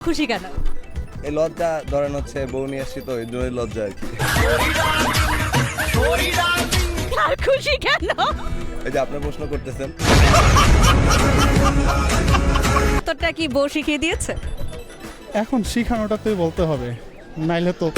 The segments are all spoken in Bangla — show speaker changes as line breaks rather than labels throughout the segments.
খুশি কেন?
এই লজ্জা ধরেন হচ্ছে বউ নিয়ে আসছি তো এই জন্যই লজ্জা আর কি।
আর খুশি কেন?
এই যে আপনি প্রশ্ন করতেছেন।
তোরটা কি বউ শিখিয়ে দিয়েছে?
এখন শিখানোটাতেই বলতে হবে, নাইলে তো।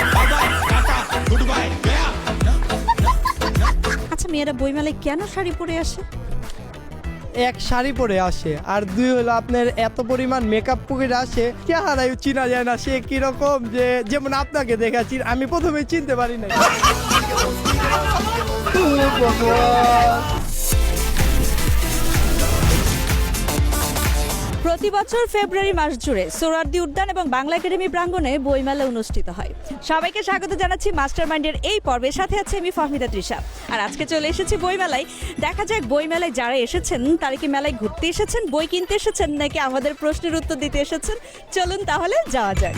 আচ্ছা, মেয়েরা বইমেলায় কেন শাড়ি পরে আসে?
এক শাড়ি পরে আসে, আর দুই হলো আপনার এত পরিমাণ মেকআপ করে আসে, চেহারায় চিনা যায় না সে কিরকম, যে যেমন আপনাকে দেখাচ্ছি আমি প্রথমে চিনতে পারি না।
প্রতি বছর ফেব্রুয়ারি মাস জুড়ে সোহরাওয়ার্দী উদ্যান এবং বাংলা একাডেমি প্রাঙ্গণে বইমেলা অনুষ্ঠিত হয়। সবাইকে স্বাগত জানাচ্ছি মাস্টারমাইন্ডের এই পর্বের সাথে আছে আমি ফাহমিদা তৃষা। আর আজকে চলে এসেছি বইমেলায়। দেখা যাক বইমেলায় যারা এসেছেন তারা কি মেলায় ঘুরতে এসেছেন, বই কিনতে এসেছেন, নাকি আমাদের প্রশ্নের উত্তর দিতে এসেছেন। চলুন তাহলে যাওয়া যাক।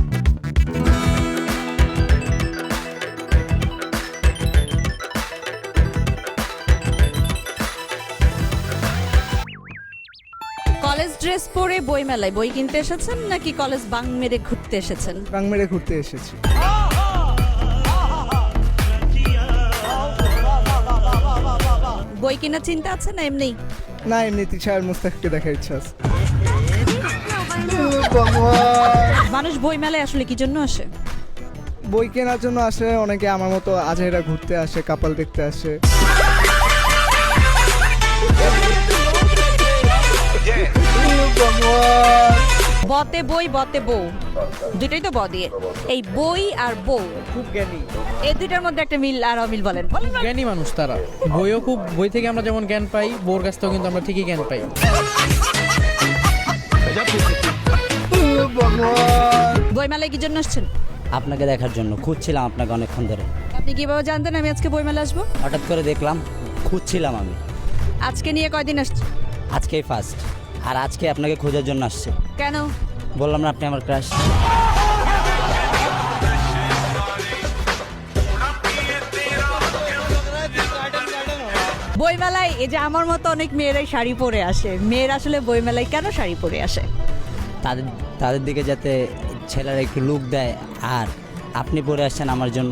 কলেজ ড্রেস পরে বইমেলায় বই কিনতে এসেছেন নাকি কলেজ বাং মেরে ঘুরতে এসেছেন?
বাং মেরে ঘুরতে এসেছি।
বই কেনার চিন্তা আছে না এমনি?
না, এমনি তিশার মুস্তাককে দেখার ইচ্ছা আছে।
মানুষ বই মেলায় আসলে কি জন্য আসে?
বই কেনার জন্য আসে, অনেকে আমার মতো আজেরা ঘুরতে আসে, কাপাল দেখতে আসে।
বতে বই বতে বউ, দুটোই তো ব দিয়ে। এই বই আর বউ
খুব জ্ঞানী।
এই দুইটার মধ্যে একটা মিল আর অমিল বলেন।
জ্ঞানী মানুষ তারা। বইও খুব, বই থেকে আমরা যেমন জ্ঞান পাই, বউর কাছ থেকেও কিন্তু আমরা ঠিকই জ্ঞান পাই।
বই মেলায় কি জন্য আসছেন?
আপনাকে দেখার জন্য খুঁজছিলাম আপনাকে অনেকক্ষণ ধরে।
আপনি কিভাবে জানতেন আমি আজকে বই মেলা আসবো?
হঠাৎ করে দেখলাম, খুঁজছিলাম আমি।
আজকে নিয়ে কয়দিন আসছে?
আজকেই ফার্স্ট, আর আজকে আপনাকে খোঁজার জন্য আসছে।
কেন?
বললাম না আপনি আমার ক্রাশ।
বইমেলায় এই যে আমার মতো অনেক মেয়েরাই শাড়ি পরে আসে, মেয়েরা আসলে বইমেলায় কেন শাড়ি পরে আসে?
তাদের তাদের দিকে যাতে ছেলেরা একটু লুক দেয়, আর আপনি পরে আসছেন আমার জন্য।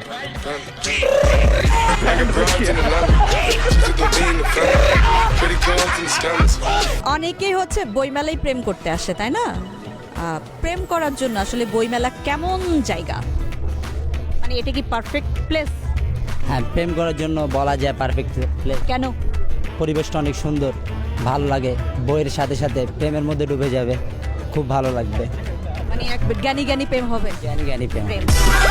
অনেকেই হচ্ছে বইমেলায় প্রেম করতে আসে, তাই না? প্রেম করার জন্য আসলে বইমেলা কেমন জায়গা, মানে এটা কি পারফেক্ট প্লেস?
হ্যাঁ, প্রেম করার জন্য বলা যায় পারফেক্ট প্লেস।
কেন?
পরিবেশটা অনেক সুন্দর, ভালো লাগে। বইয়ের সাথে সাথে প্রেমের মধ্যে ডুবে যাবে, খুব ভালো লাগবে।
মানে এক জ্ঞানী জ্ঞানী প্রেম হবে।
জ্ঞানী জ্ঞানী প্রেম।
প্রেম।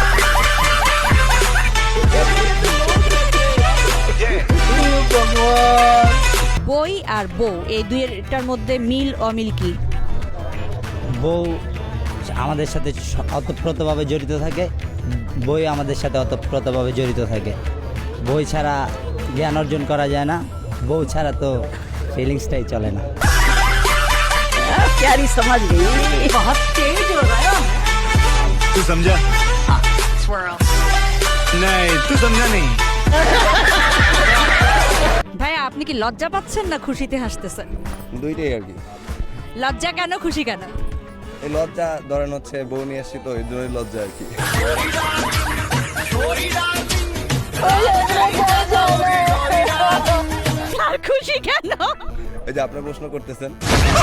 বই আর বউ এই দুইটার মধ্যে মিল অমিল কি?
বউ আমাদের সাথে অতপ্রতভাবে জড়িত থাকে, বই আমাদের সাথে অতপ্রতভাবে জড়িত থাকে। বই ছাড়া জ্ঞান অর্জন করা যায় না, বউ ছাড়া তো ফিলিংসটাই চলে না।
तू समझा? नहीं, तू समझा नहीं।
ভাই আপনি কি লজ্জা পাচ্ছেন না খুশিতে হাসতেছেন?
দুইটাই আর কি।
লজ্জা কেন, খুশি কেন?
এই লজ্জা ধরেন হচ্ছে বউ নিয়ে আসছি তো এই জন্যই লজ্জা আর কি।
আর খুশি কেন?
এই যে আপনি প্রশ্ন করতেছেন।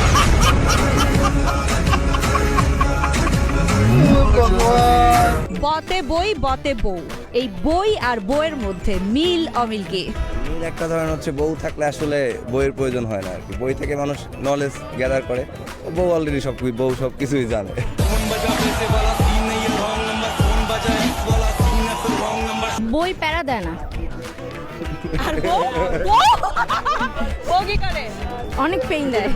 বতে বই বতে বউ, এই বই আর বউয়ের মধ্যে মিল অমিল কি?
মেন একটা ধরেন হচ্ছে বউ থাকলে আসলে বইয়ের প্রয়োজন হয় না আর কি। বই থেকে মানুষ নলেজ গ্যাদার করে, বউ অলরেডি বউ সব কিছুই জানে।
বই প্যারা দেয় না,
আর বউ বউ বউ কি করে?
অনেক পেইন দেয়।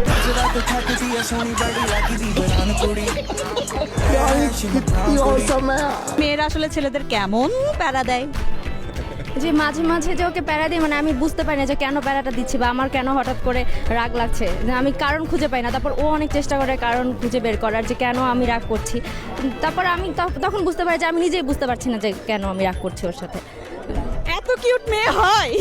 মেয়েরা আসলে ছেলেদের কেমন প্যারা দেয়?
যে মাঝে মাঝে যে ওকে প্যারা দিই, মানে আমি বুঝতে পারি না যে কেন প্যারাটা দিচ্ছি বা আমার কেন হঠাৎ করে রাগ লাগছে, আমি কারণ খুঁজে পাই না। তারপর ও অনেক চেষ্টা করে কারণ খুঁজে বের করার, যে কেন আমি রাগ করছি। তারপর আমি তখন বুঝতে পারি যে আমি নিজেই বুঝতে পারছি না যে কেন আমি রাগ করছি ওর সাথে।
এত কিউট মেয়ে হয়।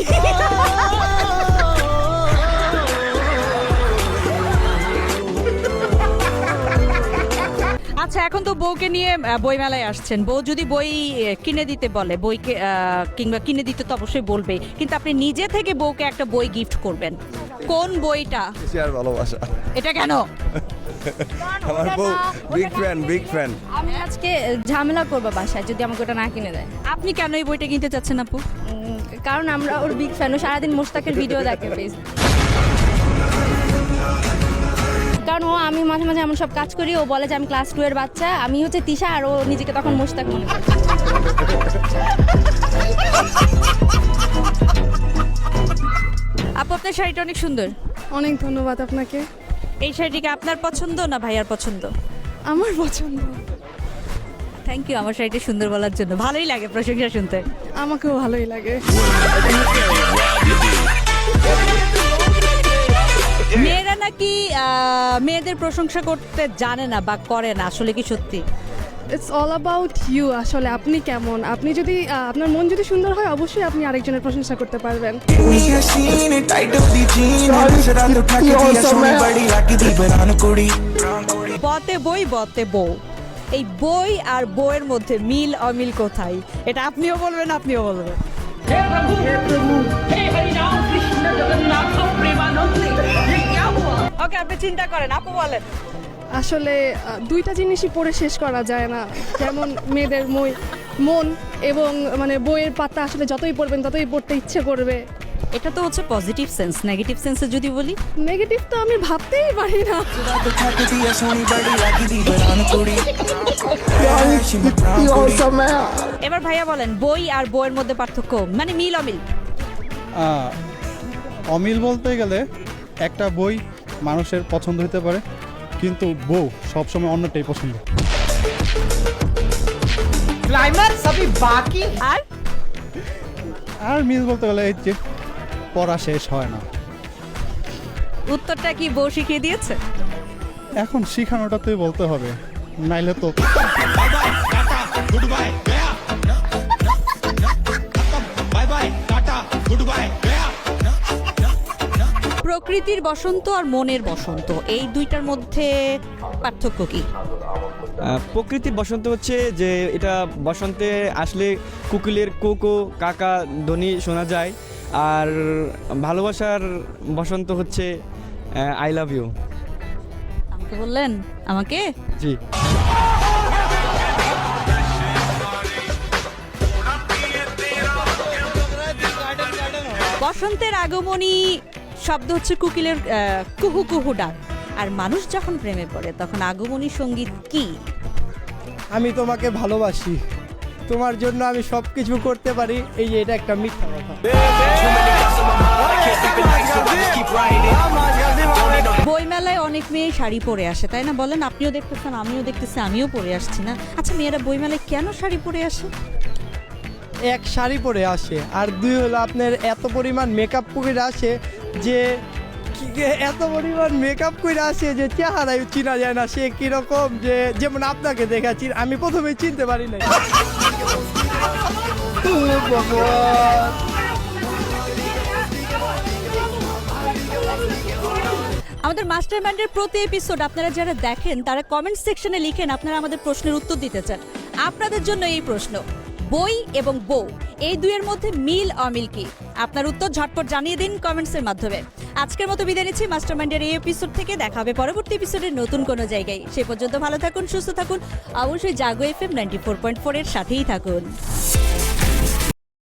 আচ্ছা, এখন তো বউকে নিয়ে বইমেলায় আসছেন, বউ যদি বই কিনে দিতে বলে, বইকে কিংবা কিনে দিতে তো অবশ্যই বলবে, কিন্তু আপনি নিজে থেকে বউকে একটা বই গিফট করবেন, কোন বইটা?
বেশি আর ভালোবাসা।
এটা কেন?
আমার বউ বিগ ফ্যান।
আমি আজকে ঝামেলা করবো বাসায় যদি আমাকে ওটা না কিনে দেয়।
আপনি কেন এই বইটা কিনতে চাচ্ছেন আপু?
কারণ আমরা ওর বিগ ফ্যান, ও সারাদিন মোস্তাকের ভিডিও দেখে প্লিজ। কারণ ও আমি মাঝে মাঝে এমন সব কাজ করি, ও বলে যে আমি ক্লাস 2 এর বাচ্চা, আমি হচ্ছে তিশা, আর ও নিজেকে তখন মোস্তাক মনে করে।
আপু, আপনার শাড়িটা অনেক সুন্দর।
অনেক ধন্যবাদ আপনাকে।
এই শাড়িটিকে আপনার পছন্দ না ভাইয়ার পছন্দ?
আমার পছন্দ।
থ্যাংক ইউ আমার শাড়িটা সুন্দর বলার জন্য, ভালোই লাগে প্রশংসা শুনতে।
আমাকেও ভালোই লাগে।
মেয়েরা নাকি মেয়েদের প্রশংসা করতে জানে না বা করে না, আসলে কি সত্যি?
It's all about you. আসলে আপনি কেমন, আপনি যদি আপনার মন যদি সুন্দর হয় অবশ্যই আপনি আরেকজনের প্রশংসা করতে পারবেন।
বতে বই বতে বউ, এই বই আর বউয়ের মধ্যে মিল অমিল কোথায়, এটা আপনিও বলবেন, আপনিও বলবেন। ওকে, আপনি চিন্তা করেন, আপু বলেন।
আসলে দুইটা জিনিসই পড়ে শেষ করা যায় না, যেমন মেয়েদের মন এবং মানে বইয়ের পাতা আসলে যতই পড়বেন ততই পড়তে ইচ্ছে করবে।
এটা তো হচ্ছে পজিটিভ সেন্স, নেগেটিভ সেন্সে যদি বলি,
নেগেটিভ তো আমি ভাবতেই পারি না।
এবার ভাইয়া বলেন, বই আর বইয়ের মধ্যে পার্থক্য, মানে মিল অমিল।
অমিল বলতে গেলে একটা বই মানুষের পছন্দ হতে পারে, কিন্তু বউ সবসময় অন্যটাই পছন্দ।
আর
আর মিল বলতে গেলে এই যে পড়া শেষ হয় না।
উত্তরটা কি বউ শিখিয়ে দিয়েছে?
এখন শিখানোটাতেই বলতে হবে, নাইলে তো
প্রকৃতির বসন্ত আর মনের বসন্ত, এই দুইটার মধ্যে পার্থক্য কি?
প্রকৃতির বসন্ত হচ্ছে যে এটা বসন্তে আসলে কুকিলের কোকো কাকা ধ্বনি শোনা যায়, আর ভালোবাসার বসন্ত হচ্ছে আই লাভ ইউ।
আমাকে বললেন? আমাকে?
জি।
বসন্তের আগমনী শব্দ হচ্ছে কুকিলের কুহু কুহু ডাক, আর মানুষ যখন প্রেমে পড়ে তখন আগমনী সঙ্গীত কি?
আমি তোমাকে ভালোবাসি, তোমার জন্য আমি সব কিছু করতে পারি, এই যে এটা একটা মিথ্যা কথা।
বইমেলায় অনেক মেয়ে শাড়ি পরে আসে, তাই না? বলেন, আপনিও দেখতেছেন, আমিও দেখতেছি, আমিও পরে আসছি না? আচ্ছা, মেয়েরা বইমেলায় কেন শাড়ি পরে আসে?
এক শাড়ি পরে আসে, আর দুই হলো আপনার এত পরিমাণ মেকআপ করে আসে যে এত পরিমাণ মেকআপ করে আসে যে চেহারায় চিনা যায় না সে কিরকম, যে যেমন আপনাকে দেখাচ্ছি আমি প্রথমে চিনতে পারি না।
আমাদের মাস্টার মাইন্ডের প্রতি এপিসোড আপনারা যারা দেখেন তারা কমেন্ট সেকশনে লিখেন আপনারা আমাদের প্রশ্নের উত্তর দিতে চান। আপনাদের জন্য এই প্রশ্ন, বই এবং বউ এই দুইয়ের মধ্যে মিল অমিল কি? আপনার উত্তর ঝটপট জানিয়ে দিন কমেন্টসের মাধ্যমে। আজকের মতো বিদায় নিচ্ছি মাস্টার মাইন্ডের এই এপিসোড থেকে। দেখা হবে পরবর্তী এপিসোডের নতুন কোনো জায়গায়। সে পর্যন্ত ভালো থাকুন, সুস্থ থাকুন, অবশ্যই জাগো FM 94.4 এর সাথেই থাকুন।